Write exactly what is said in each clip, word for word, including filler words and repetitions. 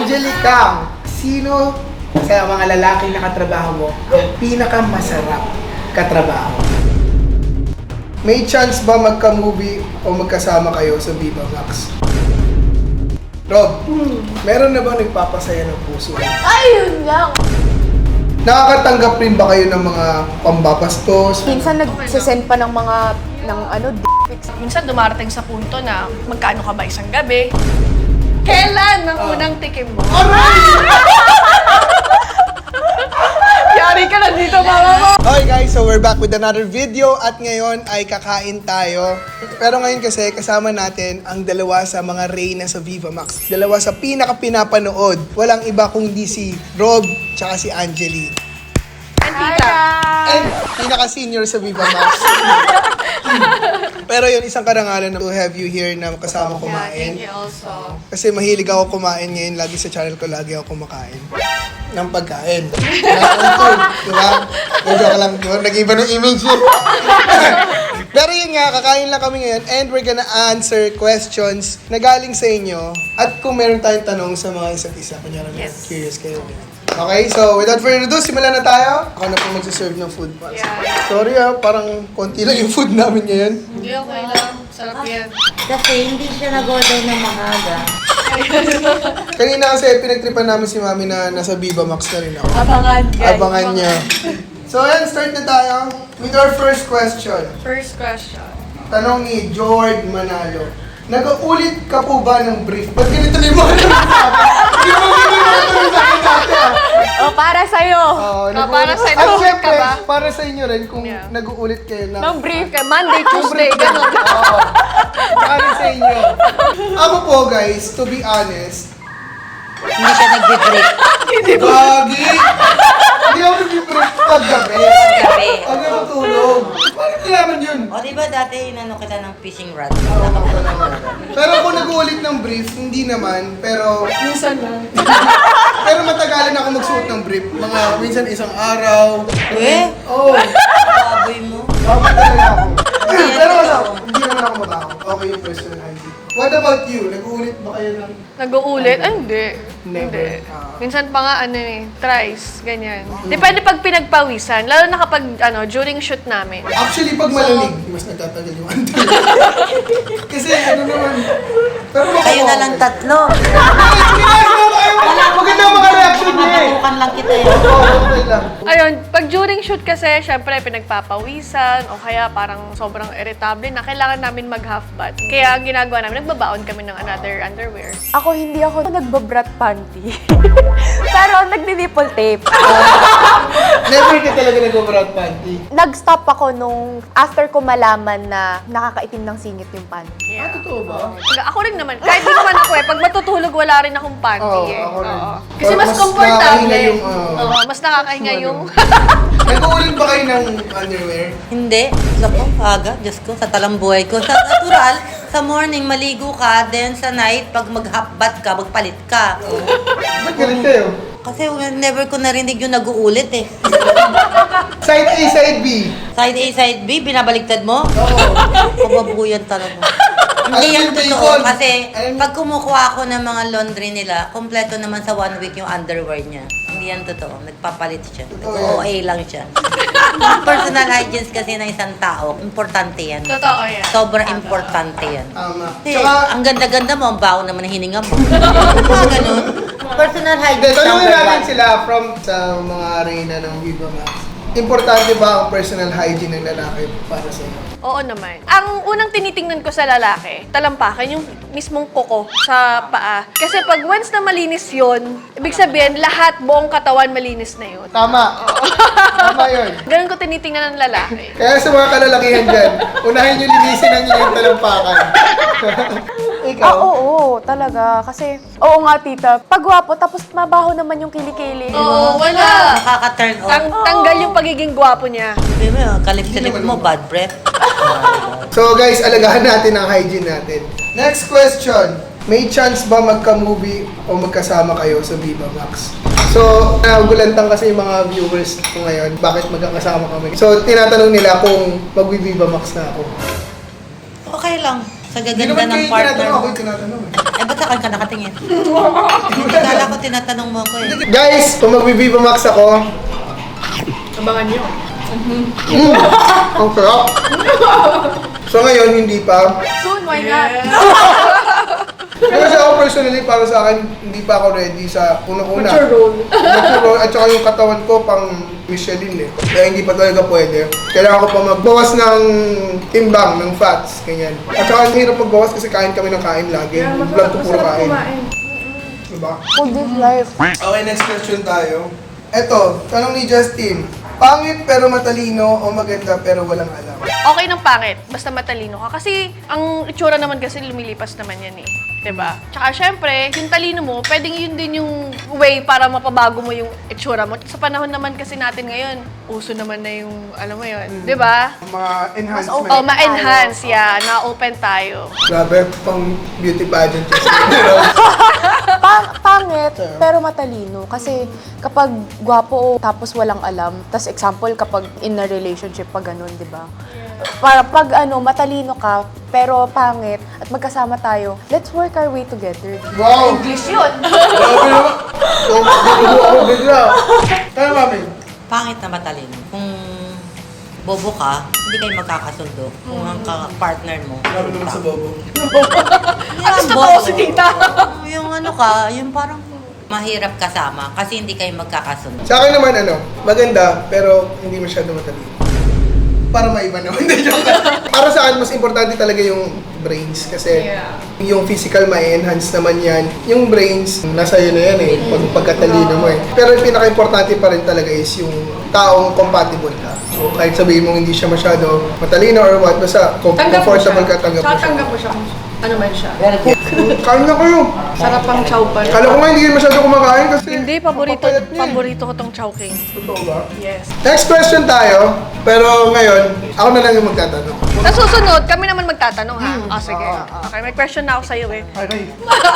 Angelica, sino sa mga lalaki na katrabaho mo ang pinakamasarap katrabaho? May chance ba magka-movie o magkasama kayo sa Viva Max? Rob, hmm. meron na ba nagpapasaya ng puso? Ayun lang! Nakakatanggap rin ba kayo ng mga pambabastos? Minsan nagsisend pa ng mga, ng ano, d***pics. Minsan dumarating sa punto na magkano ka ba isang gabi? Kailan ang Uh. unang tikim mo? Aray! Yari ka na dito, mama mo! Okay guys, so we're back with another video at ngayon ay kakain tayo. Pero ngayon kasi kasama natin ang dalawa sa mga reyna sa Viva Max. Dalawa sa pinaka-pinapanood. Walang iba kundi si Rob tsaka si Angeli. And tita. And pinaka-senior sa Viva Max. Pero yun, isang karangalan na to have you here na kasama Yeah, kumain. thank you also. Kasi mahilig ako kumain ngayon. Lagi sa channel ko, lagi ako kumakain. Ng pagkain. Nakakantog, diba? Medyo ka lang, diba? Nag-iba ng image yun. Pero yun nga, kakain lang kami ngayon and we're gonna answer questions na galing sa inyo. At kung meron tayong tanong sa mga isa't isa, kunyari Yes. curious kayo. Okay, so without further ado, simulan na tayo. Ako na po magsaserve ng food. Yeah. Sorry ah, parang konti lang yung food namin ngayon. Hindi, okay lang. Sarap yan. Kasi hindi siya nag-order ng maaga. Kanina kasi pinagtripan namin si Mami na nasa Viva Max na rin ako. Abangan, guys. Abangan niya. So ayan, start na tayo with our first question. First question. Tanong ni George Manalo. Nag-uulit ka po ba ng brief? Ba't ganito na yung mga tanong sa akin? Hindi mo hindi mo natanong sa akin dati ah. O, para sa'yo! Oo, Ah, para sa'yo, At nag-uulit syempre, ka ba? para sa inyo rin kung Yeah. nag-uulit kayo na. Nang brief ka, Monday, Tuesday, gano'n. Oo. Tsaka rin sa inyo. Ako po guys, to be honest, Hindi siya nag-brief. Gagi! Hindi ako nag-brief pag-gabi. Gabi. Pag natutulog. Bakit kailangan yun? O diba dati inano kita ng fishing rod? Oo, pero kung nag-uulit ng brief, hindi naman. Pero, Minsan lang. pero matagalan ako magsuot ng brief. Mga minsan isang araw. Eh? Oo. Oh, Baboy mo. bakit talaga ako? Pero wala, hindi naman ako mabaho. Okay yung personal hygiene. What about you? Nag-uulit ba kayo ng... Nag-uulit? Ay, hindi. Never. Hindi. Ah. Minsan pa nga, ano eh, thrice, ganyan. Depende pag pinagpawisan, lalo na kapag, ano, during shoot namin. Actually, pag malamig, mas nagtatagal yung under. Kasi ano naman... Pero Kayo na lang tatlo. Maganda ang mga reaction niya eh. Matukan lang kita eh. Oo, okay lang. Ayun, pag during shoot kasi, syempre, pinagpapawisan, o kaya parang sobrang irritable na kailangan namin mag-half bath. Kaya ang ginagawa namin, nagbabaon kami ng another underwear. Ako, hindi ako nagbabrat panty. Pero nagdi-nipple tape. Never ka talaga nag-overout panty. Nag-stop ako nung after ko malaman na nakakaitim ng singit yung panty. Ah, totoo ba? Pag- Ako rin naman, kahit di naman ako eh, pag matutulog, wala rin akong panty Oo, eh. ako rin. Oo. Kasi Or mas mas komportable. nakakahinga yung, ah, Oo, mas nakakahinga ano. yung... Nag-uulit ba kayo ng underwear? Hindi. Lako, aga. Diyos ko, sa talambuhay ko. Sa natural, sa morning, maligo ka. Then sa night, pag mag-half bath ka, magpalit ka. Ba't galit kayo? Kasi never ko narinig yung nag-uulit eh. Side A, side B. Side A, side B, binabaliktad mo? Oo. Kababuyan talaga. Hindi yan Alam mo, totoo Bacon. kasi Alam mo- pag kumukuha ako ng mga laundry nila, kompleto naman sa one week yung underwear niya. Hindi yan totoo. Nagpapalit siya. Totoo O A lang siya. Personal hygiene kasi ng isang tao, importante yan. Totoo yan. Sobrang importante yan. Tama. Kasi Tsaka, ang ganda-ganda mo, ang baho naman ng hininga mo. Mga ganun. Personal hindi, hygiene tanungin number natin one. sila from sa mga arena ng Viva Max. Importante ba ang personal hygiene ng lalaki para sa iyo? Oo naman. Ang unang tinitingnan ko sa lalaki, talampakan yung mismong kuko sa paa. Kasi pag once na malinis yun, ibig sabihin lahat, buong katawan malinis na yun. Tama. Tama yun. Ganun ko tinitingnan ng lalaki. Kaya sa mga kalalakihan dyan, unahin nyo linisin ang inyong talampakan. Ikaw? Ah, oo, talaga. Kasi, oo nga, tita. Pagwapo, tapos mabaho naman yung kilikili. Oo, wala. Nakaka-turn off. Tang tanggal yung pagiging gwapo niya. Sabi mo, kalip-silip Hindi mo, naman bad breath. So guys, alagahan natin ang hygiene natin. Next question. May chance ba magka-movie o magkasama kayo sa Viva Max? So, nagulantang kasi yung mga viewers ko ngayon, bakit magkakasama kami. So, tinatanong nila kung mag-Viva Max na ako. Okay lang. Sa Hindi gaganda naman ng kayo partner tinatanong, mo. ako yung tinatanong. eh. Eh, ba't sa akin ka nakatingin? Akala ko tinatanong mo ako eh. Guys, kung mag-Viva Max ako, Abangan niyo. mm, ang sarap. So ngayon, hindi pa. Soon, why not? Kasi ako personally, para sa akin, hindi pa ako ready sa unang-una. Mature role. Mature role. At saka yung katawan ko pang Michelin eh. Kaya hindi pa talaga pwede. Kailangan ko pa magbawas ng timbang, ng fats, ganyan. At saka ang hirap magbawas kasi kain kami ng kain lagi. Vlog ko puro kain. Diba? Food is life. Okay, next question tayo. Eto, tanong ni Justin. Pangit pero matalino o maganda pero walang alam? Okay ng pangit, basta matalino ka. Kasi ang itsura naman kasi lumilipas naman yan eh. 'Di ba? Tsaka syempre, yung talino mo, pwedeng yun din yung way para mapabago mo yung itsura mo. Sa panahon naman kasi natin ngayon, uso naman na yung, alam mo yun, 'di ba? Mga enhancement. Oh, ma-enhance, yeah. Na-open tayo. Grabe, pang beauty pageant. Pa- pangit, pero matalino. Kasi kapag gwapo o tapos walang alam, tas example kapag in a relationship pa ganun, di ba? Para pag ano, matalino ka, pero pangit, at magkasama tayo, let's work our way together. Wow! English yun! Grabe naman. So, dito ako bigla. Kaya mami, Pangit na matalino. Kung bobo ka, hindi kayo magkakasundo. Kung ang ka- partner mo. grabe naman sa bobo. At sa totoo si tita. Yung ano ka, yung parang mahirap kasama kasi hindi kayo magkakasundo. Sa akin naman ano, maganda pero hindi masyado matalino. Para maiba naman. Hindi, joke lang. Para sa akin, mas importante talaga yung brains kasi Yeah. yung physical ma-enhance naman yan. Yung brains, nasa yun na yan eh, pag pagkatalino mo eh. Pero yung pinaka-importante pa rin talaga is yung taong compatible ka. So kahit sabihin mo hindi siya masyado matalino or what, basta com- comfortable ka, tanggap mo siya. Tanggap mo siya kung ano man siya. Kain na kayo! Sarap ang chow pan. Kala ko nga hindi masyado kumakain kasi Hindi, paborito, papayat niya eh. paborito ko tong chowking. Totoo ba? Yes. Next question tayo, pero ngayon, ako na lang yung magtatanong. Sa susunod, kami naman magtatanong ha. Ah, sige. Okay, may question na ako sa'yo eh. Okay.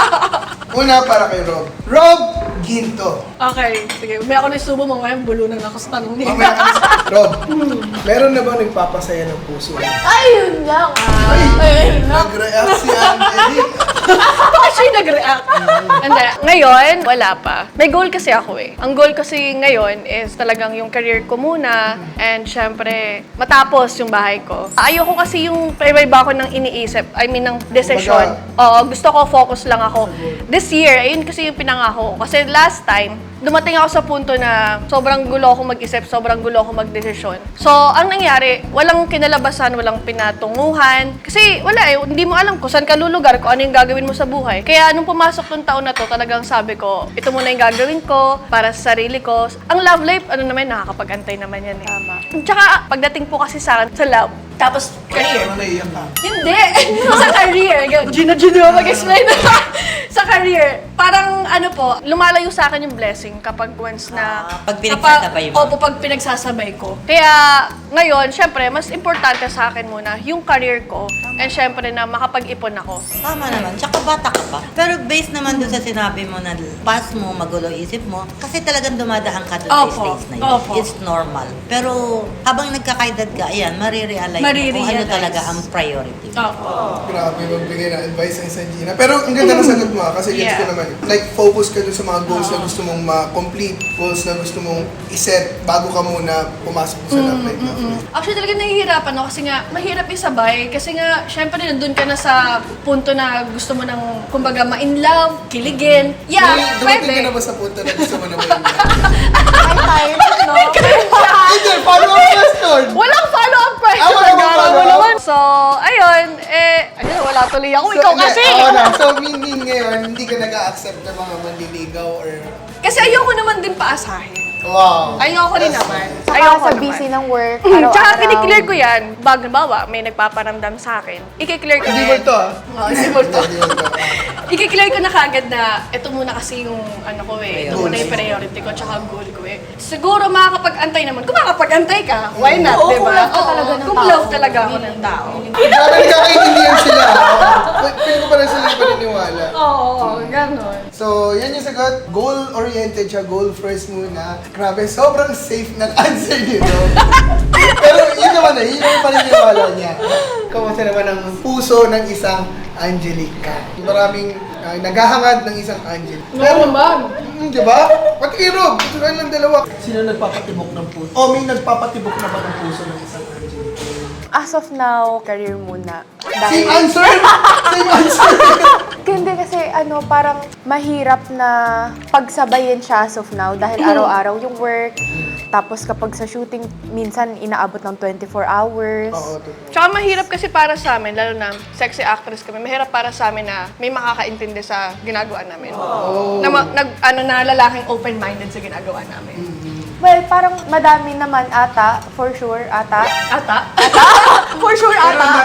Una para kay Rob. Rob Ginto. Okay, sige. May ako na subo mo ngayon, bulunan ako sa tanong niya. Mamaya ka na sa- Rob, meron na ba nagpapasaya ng puso? Ayun lang! Ay! Nag-react si Anthony. Bakit siya yung nag-react? Hindi. Ngayon, wala pa. May goal kasi ako eh. Ang goal kasi ngayon is talagang yung career ko muna and syempre, matapos yung bahay ko. Ayoko kasi yung iba-iba ko nang iniisip. I mean, ng decision. Oo, gusto ko focus lang ako. This year, ayun kasi yung pinangako ko. Kasi last time, dumating ako sa punto na sobrang gulo ako mag-isip, sobrang gulo ako mag-desisyon. So, ang nangyari, walang kinalabasan, walang pinatunguhan. Kasi wala eh, hindi mo alam kung saan ka lulugar, kung ano yung gagawin mo sa buhay. Kaya nung pumasok tong taon na to, talagang sabi ko, ito muna yung gagawin ko para sa sarili ko. Ang love life, ano naman, nakakapag-antay naman yan eh. Tama. Tsaka, pagdating po kasi sa, sa love, tapos career. Ano naiyak ka? Hindi! sa career. Gina, Gina, mag-explain. sa career, parang ano po, lumalayo sa akin yung blessing kapag once na... Ah, pag pinagsasabay mo. Opo, pag pinagsasabay ko. Kaya ngayon, syempre, mas importante sa akin muna yung career ko. And syempre na makapag-ipon ako. Tama naman. Tsaka bata ka pa. Pero based naman doon sa sinabi mo na pass mo, magulo isip mo, kasi talagang dumadaan ka doon sa Opo. stage na yun. Opo. It's normal. Pero habang nagkakaedad ka, ayan, marirealize mo kung ano Marirealize. talaga ang priority. Opo. Grabe magbigay ng advice ang isang Gina. Pero ang ganda ng sagot mo ah, kasi gets ko Yeah. naman. Like, focus ka dun sa mga goals na gusto mong ma-complete, goals na gusto mong iset bago ka muna pumasok sa love life na. Actually, talaga nahihirapan ako kasi nga, mahirap isabay. Kasi nga, syempre, nandun ka na sa punto na gusto mo ng, kumbaga, ma-in love, kiligin. Yeah, Dumating- Dumating ka na pwede. ba sa punto na gusto mo na mo yun? Ay, tayo, no? Hindi, follow up question! Walang follow-up Ah, question. wala bang Nagara mo follow-up? naman. So, ayun, eh, ayun, wala tuloy ako. Ikaw hindi, kasi. Ako na. So, meaning ngayon, hindi ka nag-a-accept ng mga manliligaw or... Kasi ayoko naman din paasahin. Wow! Ayoko rin naman. Saka Ayoko sa naman. busy ng work, Mm, araw-araw. Tsaka kiniklear ko yan. Bag, bawa, may nagpaparamdam sa akin. Ikiklear ko Hindi din. mo ito ah. Oo, hindi mo ito. Hindi mo ito. Ikiklear ko na kagad na ito muna kasi yung ano ko eh. Ito Goals. muna yung priority ko tsaka goal ko eh. Siguro makakapag-antay naman. Kung makakapag-antay ka, why not, Oo, di kung ba? love ka talaga ng Kung tao. love talaga ako ng tao. Grabe, nagkakaintindihan sila. Pili ko pa rin sila yung paniniwala. Oo, ganon. So, yan yung sagot. Goal-oriented siya, goal first muna. Grabe, sobrang safe ng answer niyo. Pero yun naman na, yun yung paniniwala niya. Kamusta naman ang puso ng isang Angelica. Maraming Ay, naghahangad ng isang Angel. Oo naman. Hmm, di ba? Pati kay Rob, ito lang dalawa. Sino nagpapatibok ng puso? O, may nagpapatibok na ba ng puso ng isang Angel? As of now, career muna. Same Dahil, answer! Same answer! hindi kasi ano, parang mahirap na pagsabayin siya as of now dahil araw-araw yung work. Tapos kapag sa shooting, minsan inaabot ng twenty-four hours. Oo, totoo. Tsaka mahirap kasi para sa amin, lalo na sexy actress kami, mahirap para sa amin na may makakaintindi sa ginagawa namin. Oh. Na, ma- nag, ano, na lalaking open-minded sa ginagawa namin. Well, parang madami naman ata, for sure, ata. Ata? For sure, ata.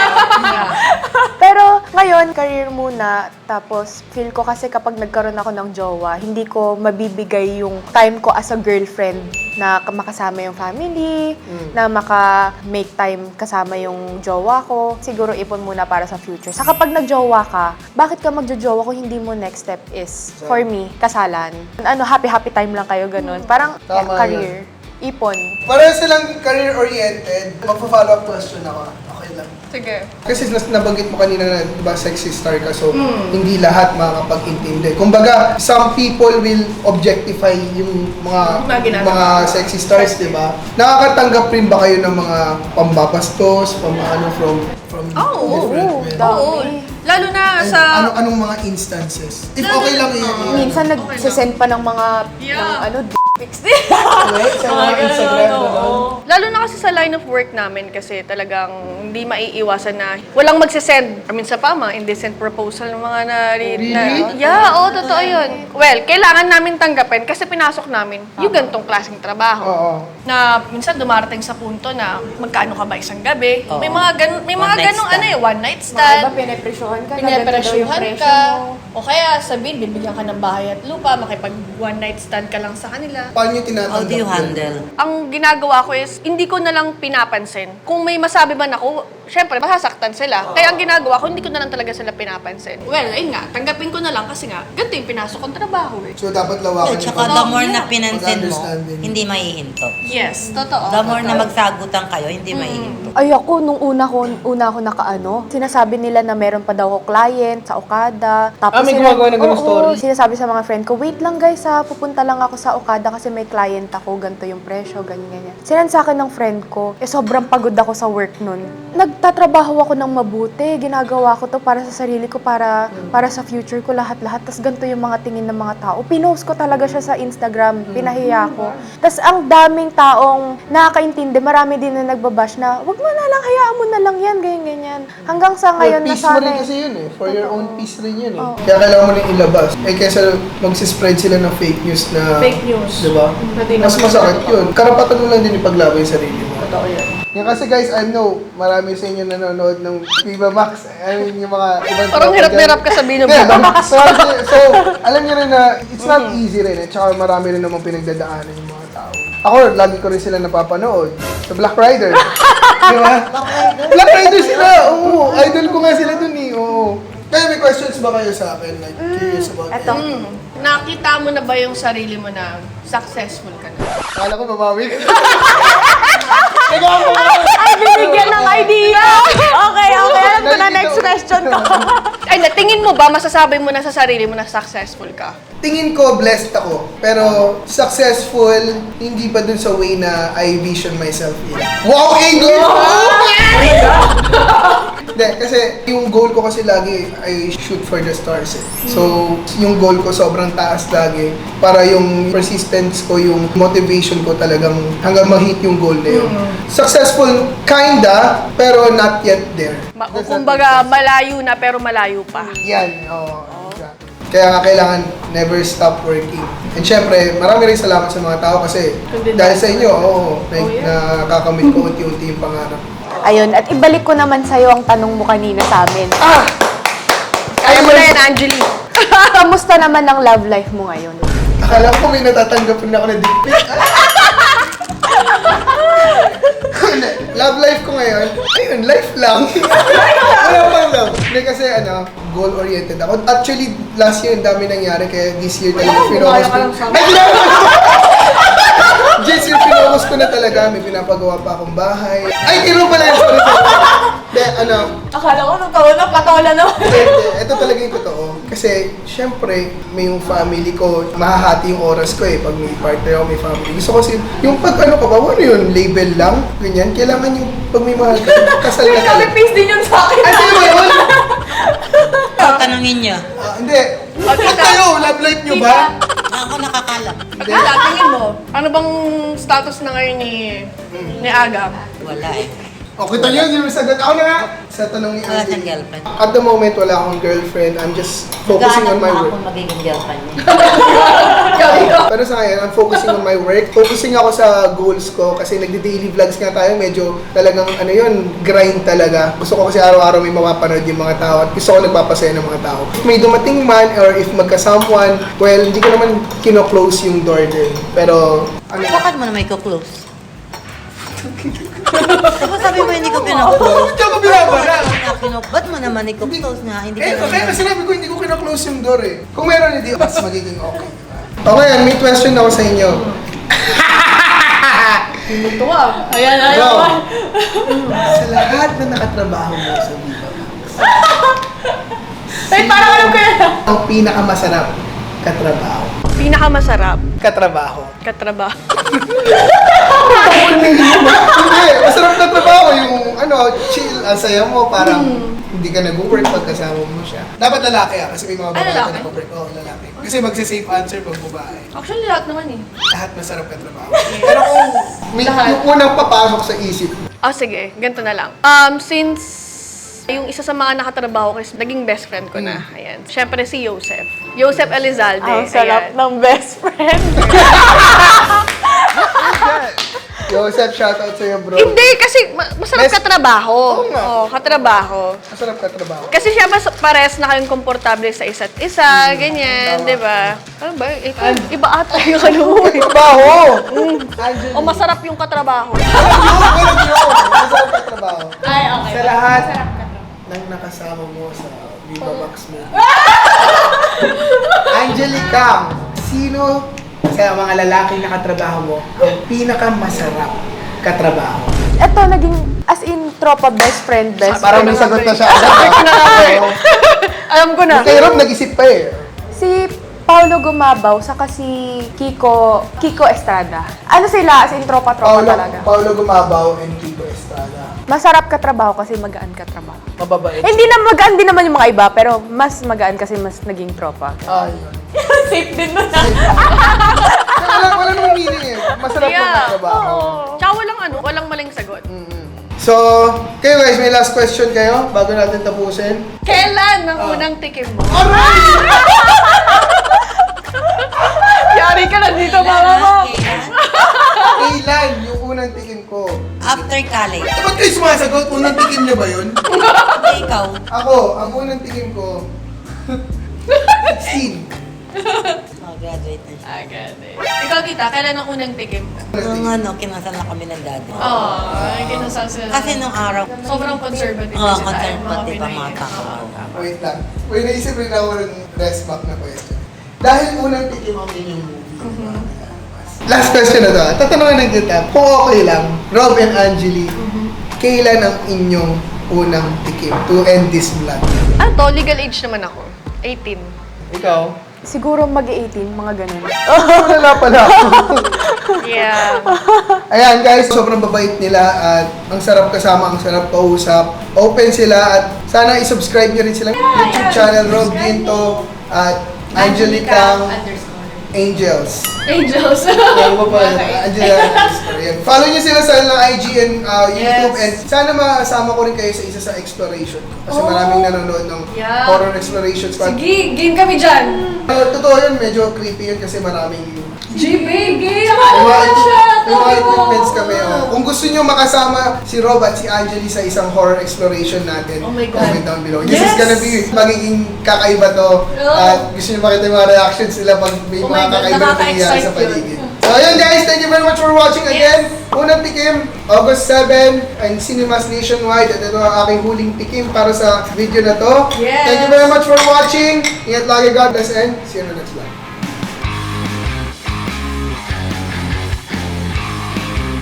Pero ngayon, career muna. Tapos, feel ko kasi kapag nagkaroon ako ng jowa, hindi ko mabibigay yung time ko as a girlfriend na makasama yung family, na maka-make time kasama yung jowa ko. Siguro ipon muna para sa future. Sa kapag nagjowa ka, bakit ka magjojowa kung hindi mo next step is, for me, kasalan? Ano, happy-happy time lang kayo, ganun. Parang Tama career, ipon. Pareho silang career-oriented. Magpa-follow up question ako. Okay lang. Sige. Kasi nas nabanggit mo kanina na, di ba, sexy star ka, so hindi lahat makakapag-intindi. Kumbaga, some people will objectify yung mga Mga ginagawa. mga sexy stars, di ba? Nakakatanggap rin ba kayo ng mga pambabastos, pamaano from from Oo, different oo, men? dami. Oo. Lalo na And sa... ano anong mga instances? If okay lang yun. Oo. Minsan nagsisend pa ng mga, Yeah. ng ano, d- pics. Okay, sa mga Instagram, gano'n. Lalo na kasi sa line of work namin kasi talagang hindi maiiwasan na walang magsisend. I mean, sa pa, mga indecent proposal ng mga na... Really? na yeah, oo, totoo yun. Well, kailangan namin tanggapin kasi pinasok namin yung gantong klaseng trabaho. Oo. Na minsan dumarating sa punto na magkano ka ba isang gabi? Oo. May mga ganun, may One mga night ganung stand. ano eh, one night Mga stand. iba, pinapresyohan ka. Pinapresyohan ka. O kaya sabihin, bibigyan ka ng bahay at lupa, makipag one night stand ka lang sa kanila. Paano nyo How tinatanggap do you yun? handle? Ang ginagawa ko is, hindi ko na lang pinapansin. Kung may masabi man ako, syempre, masasaktan sila. Kaya ang ginagawa ko, hindi ko na lang talaga sila pinapansin. Well, ayun nga, tanggapin ko na lang kasi nga, ganito yung pinasok kong trabaho eh. So, dapat lawakan Yeah, yung tsaka pag- the more na Yeah. pinansin mo, Mag-understanding. hindi maihinto. Yes, totoo. The more na magsagutan kayo, hindi maihinto. Ay ako, nung una ko, una ko nakaano, sinasabi nila na meron pa daw ako client sa Okada. Tapos Ah, may sila- gumagawa ng ganung Oo, story? sinasabi sa mga friend ko, wait lang guys ha, pupunta lang ako sa Okada kasi may client ako, ganito yung presyo, ganyan, ganyan. Sinan sa akin ng friend ko, eh sobrang pagod ako sa work nun. Nagtatrabaho ako ng mabuti, ginagawa ko to para sa sarili ko, para para sa future ko lahat-lahat. Tapos ganito yung mga tingin ng mga tao. Pinost ko talaga siya sa Instagram, pinahiya ko. Tapos ang daming taong nakakaintindi, marami din na nagbabash na, wag mo na lang, hayaan mo na lang yan, ganyan, ganyan. Hanggang sa ngayon, For peace mo rin nasanay. kasi yun eh. For your own peace rin yun eh. Oo. Kaya kailangan mo rin ilabas. Eh kesa magsispread sila ng fake news na... Fake news. Diba? Hindi Mas naman masakit yun. Karapatan mo lang din ipaglaban yung sarili mo. Totoo yan. Yan kasi guys, I know, marami sa inyo nanonood ng Viva Max. I mean, yung mga ibang... Parang tropa hirap na dyan. hirap ka sabihin ng Hindi, Viva Max. So, so, alam niyo rin na it's not easy rin eh. Tsaka marami rin namang pinagdadaanan yung mga tao. Ako, lagi ko rin sila napapanood. Sa Black Rider. Di ba? Black Rider sila! Oo, idol ko nga sila dun eh. Oo. Kaya may questions ba kayo sa akin? Like, curious about Eto. it? Hmm. Nakita mo na ba yung sarili mo na successful ka na? Kala ko mamawi ka. Ay, binigyan ng idea! Okay, okay. Alam ko na next question ko. Ay, na, tingin mo ba, masasabi mo na sa sarili mo na successful ka? Tingin ko blessed ako. Pero successful, hindi pa dun sa way na I vision myself in. Wow, English! Hindi, kasi yung goal ko kasi lagi, I shoot for the stars eh. So, yung goal ko sobrang taas lagi. Para yung persistence ko, yung motivation ko talagang hanggang ma-hit yung goal na yun. Successful, kinda, pero not yet there. Ma- Does that kumbaga, make sense? malayo na pero malayo pa. Yan, oo. Exactly. Kaya nga kailangan never stop working. And syempre, marami rin salamat sa mga tao kasi dahil sa inyo, oo, like, nakakamit ko unti-unti yung pangarap. Ayun, at ibalik ko naman sa'yo ang tanong mo kanina sa amin. Ah! Kaya mo na yan, Angeli. Kamusta naman ang love life mo ngayon? Akala ko may natatanggap na ako na dick pic. Love life ko ngayon, ayun, life lang. Wala pang love. Hindi kasi ano, goal-oriented ako. Actually, last year, ang dami nangyari, kaya this year talaga pinocus ko. Ay, ginagawa ko! This year, pinocus ko na talaga. May pinapagawa pa akong bahay. Ay, tiro pala yun. Sorry, sorry. Hindi, ano, Akala ko nung taon na patola na. hindi, hindi. Ito talaga yung totoo. Kasi, syempre, may yung family ko, mahahati yung oras ko eh, pag may partner ako, may family. Gusto ko kasi, yung pag ano ka ba, ano yun, label lang, ganyan, kailangan yung pag may mahal ka, kasal na ka. Copy-paste din yun sa akin. Ay, sino ba yun? So, tanungin niyo. Ah, hindi. Ba't kayo? Love life nyo ba? Ako nakakalap. Hindi. Tita, tingin mo, ano bang status na ngayon ni, ni Aga? Wala eh. O, kita nyo, hindi mo sagot. Ako na nga. Sa tanong ni Wala Andy. siyang girlfriend. At the moment, wala akong girlfriend. I'm just focusing on Gahanap my mo work. akong magiging girlfriend niya. Pero sa ngayon, I'm focusing on my work. Focusing ako sa goals ko kasi nagdi-daily vlogs nga tayo. Medyo talagang ano yun, grind talaga. Gusto ko kasi araw-araw may mapapanood yung mga tao at gusto ko nagpapasaya ng mga tao. If may dumating man or if magka-someone, well, hindi ko naman kino-close yung door din. Pero, ano, Bakit mo na may close? Diba sabi mo hindi ko pinaklose? Diyan ko binabara. Ba't mo naman i-close nga? Hindi Eh, ka kaya naman. sinabi ko, hindi ko kino-close yung door eh. Kung meron, hindi, mas magiging okay. Okay, yan, may question ako sa inyo. Ito ah. Ayan, ayan. Bro, sa lahat na nakatrabaho mo sa Viva Max, Ay, parang alam ko yan. ang pinakamasarap katrabaho. Pinakamasarap, Katrabaho. katrabaho. Hindi, masarap na trabaho yung ano, chill, ang saya mo, parang hindi ka nag-work pag kasama mo siya. Dapat lalaki ah, kasi may mga Ay, babae lalaki? na nag-work. Oo, lalaki. Kasi magsa-safe answer pag babae. Actually, lahat naman eh. Lahat masarap ka trabaho. Pero kung may, Lahat. yung unang papasok sa isip, Ah, sige. Ganito na lang. Um, since yung isa sa mga nakatrabaho ko is naging best friend ko na. Ayan. Siyempre si Joseph. Joseph Elizalde. Ang sarap Ayan. ng best friend. Joseph, shoutout sa'yo bro. Hindi, kasi ma- masarap Best- katrabaho. Oo nga. Oo, katrabaho. Masarap ka trabaho. Kasi siya mas pares na kayong komportable sa isa't isa, ganyan, tama. di ba? Ano ba? Ikaw, iba ata yung ano mo eh. Trabaho! Angel. O masarap yung katrabaho. Walang joke, walang joke. Masarap ka trabaho. Ay, okay. Sa lahat ng nakasama mo sa Viva Max mo. Angelica, sino sa mga lalaking nakatrabaho mo ang pinakamasarap katrabaho? Ito, naging as in tropa, best friend, best Parang may sagot na siya. Oo. Alam ko na. Kay Rob, nag-isip pa eh. Si Paulo Gumabaw, saka si Kiko, Kiko Estrada. Ano sila, as in tropa-tropa Paulo, talaga. Paulo Gumabaw and Kiko Estrada. Masarap ka trabaho kasi magaan ka trabaho. Mababait. Hindi na magaan din naman yung mga iba, pero mas magaan kasi mas naging tropa. Ah, yun. Safe din mo na. Wala, wala namang meaning eh. Masarap yeah. Yeah. ng trabaho. Tsaka walang ano, walang maling sagot. So, kayo guys, may last question kayo bago natin tapusin. Kailan ang unang tikim mo? Aray! Yari ka na dito, mama mo. Kailan yung unang tikim ko? After college. Eh, ba't kayo sumasagot? Unang tikim niyo ba yun? Hindi ikaw. Ako, ang unang tikim ko, sixteen. Oh, graduate na siya. Ah, gani. Ikaw, kita, kailan ang unang tikim mo? Nung ano, kinasal na kami ng daddy. Oh, ay, kinasal sila. Kasi nung araw, Sobrang conservative oh, sila. conservative Mga ang mga Pinoy. tao. Wait lang. Wait, naisip rin ako ng rest back na question. Dahil unang tikim ang inyong movie. Last question na to. ah. Tatanungin ng kita. Kung okay lang, Rob and Angeli, kailan ang inyong unang tikim to end this vlog? Ano to? Legal age naman ako. eighteen. Ikaw? Siguro mag-eighteen, mga ganun. Wala pala ako. Yeah. Ayan guys, sobrang babait nila at ang sarap kasama, ang sarap kausap. Open sila at sana i-subscribe nyo rin silang YouTube channel, Rob Ginto at Angelica Angels. Angels. Ano ba ba? Angelica Angels. Ayan. Follow nyo sila sa lang I G and uh, YouTube Yes. and sana masama ko rin kayo sa isa sa exploration. Kasi Oh. maraming nanonood ng Yeah. horror exploration squad. Sige, game kami dyan. Uh, totoo yun, medyo creepy yun kasi maraming G B, game! May Ano mga, ba siya? may mga equipments kami. Oh. Kung gusto nyo makasama si Rob at si Angeli sa isang horror exploration natin, Oh my God. comment down below. This Yes! is gonna be magiging kakaiba to. Oh. At gusto nyo makita yung mga reactions nila pag may Oh my mga God, kakaiba na nangyayari nakaka-excite sa paligid. yun. So ayun guys, thank you very much for watching again. Unang tikim, August seventh, ang Cinemas Nationwide. At ito ang aking huling tikim para sa video na to. Yes! Thank you very much for watching. Ingat lagi, God bless, and see you in the next vlog.